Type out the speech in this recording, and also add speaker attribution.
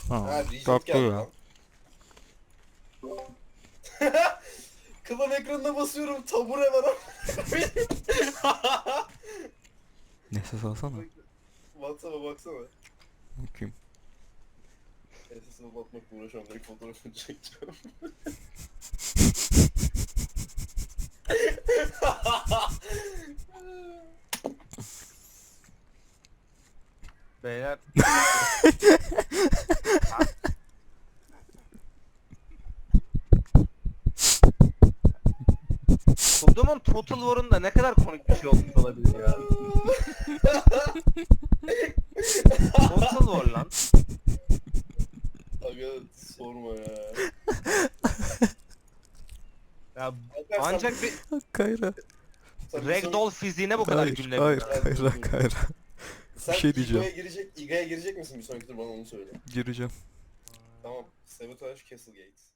Speaker 1: Ha,
Speaker 2: Regent
Speaker 1: tatlı
Speaker 2: geldi
Speaker 1: ya.
Speaker 2: lan. Klan ekranına basıyorum, tabure var ama.
Speaker 1: Nefes alsana.
Speaker 2: WhatsApp'a baksana.
Speaker 1: Bakayım.
Speaker 2: SS'e bakmakla uğraşıyorum, direkt fotoğrafını çekeceğim.
Speaker 3: Beyler. Kudumun Total War'unda ne kadar komik bir şey olmuş olabilir ya. Total War lan.
Speaker 2: Aga sorma ya.
Speaker 3: Ya
Speaker 2: Alper,
Speaker 3: ancak bir
Speaker 1: Kayra.
Speaker 2: sen
Speaker 3: Ragdoll fiziğine bu kadar
Speaker 1: Hayır, hayır,
Speaker 3: gülünebilir.
Speaker 1: Kayra, Kayra.
Speaker 2: Sen
Speaker 1: bir şey diyeceğim.
Speaker 2: İGA'ya girecek misin bir sonraki tur, bana onu söyle.
Speaker 1: Gireceğim.
Speaker 2: Tamam. Sabotage Castlegate.